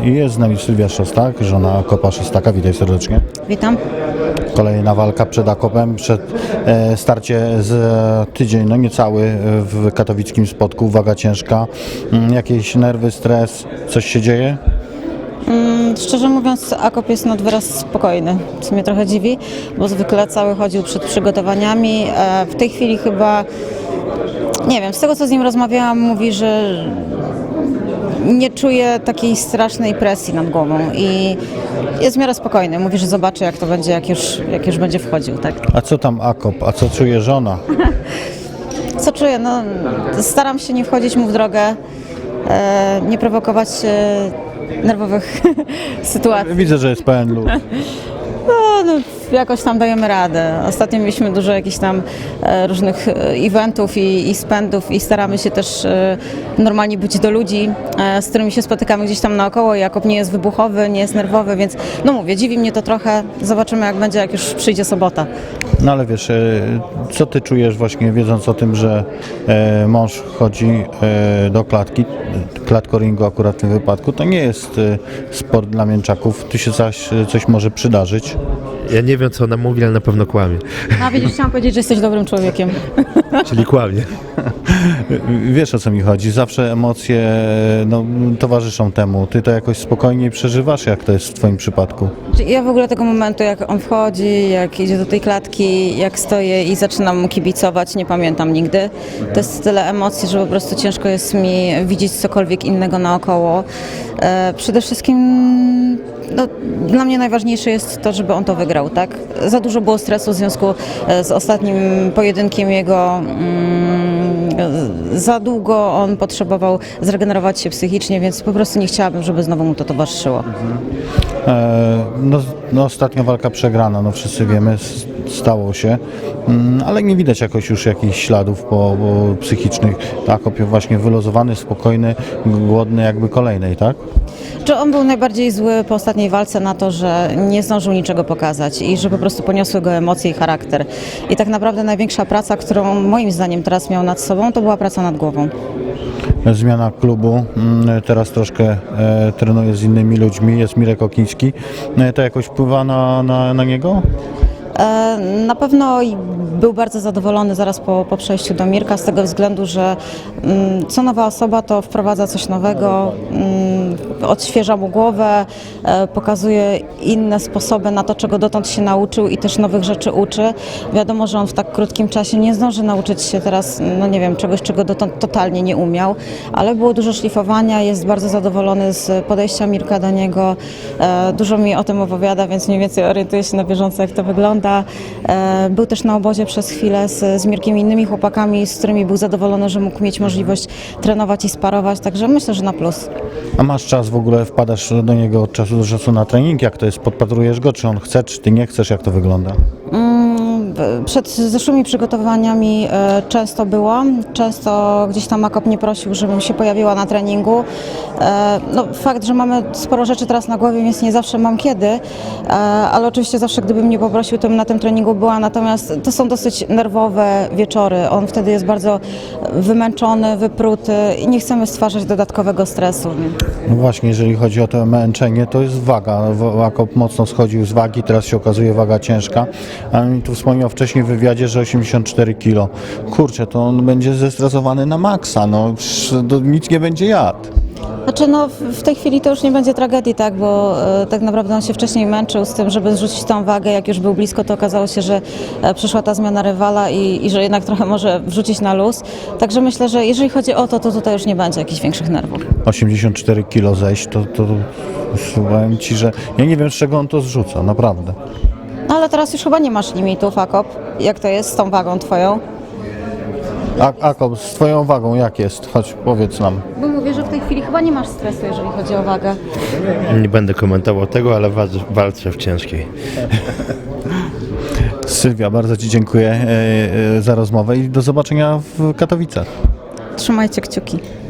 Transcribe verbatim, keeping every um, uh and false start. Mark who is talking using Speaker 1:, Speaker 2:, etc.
Speaker 1: Jest z nami Sylwia Szostak, żona Akopa Szostaka. Witaj serdecznie.
Speaker 2: Witam.
Speaker 1: Kolejna walka przed Akopem, przed e, starcie z tydzień, no niecały w katowickim Spodku, waga ciężka. Mm, Jakieś nerwy, stres, coś się dzieje?
Speaker 2: Mm, Szczerze mówiąc, Akop jest nad wyraz spokojny, co mnie trochę dziwi, bo zwykle cały chodził przed przygotowaniami. E, W tej chwili chyba, nie wiem, z tego co z nim rozmawiałam, mówi, że nie czuje takiej strasznej presji nad głową i jest w miarę spokojny. Mówi, że zobaczy, jak to będzie, jak już, jak już będzie wchodził, tak?
Speaker 1: A co tam Akop, a co czuje żona?
Speaker 2: Co czuję? No, staram się nie wchodzić mu w drogę, e, nie prowokować e, nerwowych sytuacji.
Speaker 1: Widzę, że jest pełen luz.
Speaker 2: No, no, jakoś tam dajemy radę. Ostatnio mieliśmy dużo jakichś tam e, różnych e, eventów i, i spędów i staramy się też e, normalnie być do ludzi, e, z którymi się spotykamy gdzieś tam naokoło. Jakub nie jest wybuchowy, nie jest nerwowy, więc no mówię, dziwi mnie to trochę. Zobaczymy, jak będzie, jak już przyjdzie sobota.
Speaker 1: No ale wiesz, e, co ty czujesz właśnie wiedząc o tym, że e, mąż chodzi e, do klatki, klatkoringu akurat w tym wypadku, to nie jest e, sport dla mięczaków, tu się coś, coś może przydarzyć.
Speaker 3: Ja nie wiem, co ona mówi, ale na pewno kłamie.
Speaker 2: A widzisz, chciałam powiedzieć, że jesteś dobrym człowiekiem.
Speaker 3: Czyli kłamie.
Speaker 1: Wiesz, o co mi chodzi, zawsze emocje no, towarzyszą temu, ty to jakoś spokojniej przeżywasz, jak to jest w twoim przypadku?
Speaker 2: Ja w ogóle tego momentu, jak on wchodzi, jak idzie do tej klatki, jak stoję i zaczynam mu kibicować, nie pamiętam nigdy. To jest tyle emocji, że po prostu ciężko jest mi widzieć cokolwiek innego naokoło. E, przede wszystkim no, dla mnie najważniejsze jest to, żeby on to wygrał, tak? Za dużo było stresu w związku z ostatnim pojedynkiem jego. Mm, za długo on potrzebował zregenerować się psychicznie, więc po prostu nie chciałabym, żeby znowu mu to towarzyszyło.
Speaker 1: E, no, no ostatnia walka przegrana, no wszyscy wiemy, s- stało się, mm, ale nie widać jakoś już jakichś śladów po, po psychicznych. Akop właśnie wyluzowany, spokojny, głodny jakby kolejnej, tak?
Speaker 2: Czy on był najbardziej zły po ostatniej walce na to, że nie zdążył niczego pokazać i że po prostu poniosły go emocje i charakter. I tak naprawdę największa praca, którą moim zdaniem teraz miał nad sobą, to była praca nad głową.
Speaker 1: Zmiana klubu, mm, teraz troszkę e, trenuje z innymi ludźmi, jest Mirek Okiński. E, to jakoś wpływa na, na, na niego?
Speaker 2: E, Na pewno i był bardzo zadowolony zaraz po, po przejściu do Mirka z tego względu, że mm, co nowa osoba to wprowadza coś nowego, mm, odświeża mu głowę, e, pokazuje inne sposoby na to, czego dotąd się nauczył i też nowych rzeczy uczy. Wiadomo, że on w tak krótkim czasie nie zdąży nauczyć się teraz, no nie wiem, czegoś, czego dotąd totalnie nie umiał, ale było dużo szlifowania, jest bardzo zadowolony z podejścia Mirka do niego, e, dużo mi o tym opowiada, więc mniej więcej orientuję się na bieżąco, jak to wygląda. E, Był też na obozie przez chwilę z, z Mirkiem i innymi chłopakami, z którymi był zadowolony, że mógł mieć możliwość trenować i sparować, także myślę, że na plus.
Speaker 1: A masz czas w ogóle, wpadasz do niego od czasu do czasu na trening? Jak to jest? Podpatrujesz go, czy on chce, czy ty nie chcesz? Jak to wygląda?
Speaker 2: Mm, Przed zeszłymi przygotowaniami e, często byłam, często gdzieś tam Akop mnie prosił, żebym się pojawiła na treningu. E, No, fakt, że mamy sporo rzeczy teraz na głowie, więc nie zawsze mam kiedy, e, ale oczywiście zawsze gdybym mnie poprosił, to bym na tym treningu była, natomiast to są dosyć nerwowe wieczory. On wtedy jest bardzo wymęczony, wypruty i nie chcemy stwarzać dodatkowego stresu.
Speaker 1: No właśnie, jeżeli chodzi o to męczenie, to jest waga. W- Akop mocno schodził z wagi, teraz się okazuje waga ciężka. A mi tu wspomniał wcześniej w wywiadzie, że osiemdziesiąt cztery kilo. Kurczę, to on będzie zestresowany na maksa, no psz, to nic nie będzie jadł.
Speaker 2: Znaczy no w- w tej chwili to już nie będzie tragedii, tak, bo e, tak naprawdę on się wcześniej męczył z tym, żeby zrzucić tą wagę, jak już był blisko, to okazało się, że e, przyszła ta zmiana rywala i, i że jednak trochę może wrzucić na luz. Także myślę, że jeżeli chodzi o to, to tutaj już nie będzie jakichś większych nerwów.
Speaker 1: osiemdziesiąt cztery kilo zejść, to, to, to powiem ci, że ja nie wiem, z czego on to zrzuca, naprawdę.
Speaker 2: No ale teraz już chyba nie masz limitów, Akop. Jak to jest z tą wagą twoją?
Speaker 1: A, Akop, z twoją wagą jak jest? Chodź, powiedz nam.
Speaker 2: Bo mówię, że w tej chwili chyba nie masz stresu, jeżeli chodzi o wagę.
Speaker 3: Nie będę komentował tego, ale walczę, walczę w ciężkiej.
Speaker 1: Sylwia, bardzo ci dziękuję e, e, za rozmowę i do zobaczenia w Katowicach.
Speaker 2: Trzymajcie kciuki.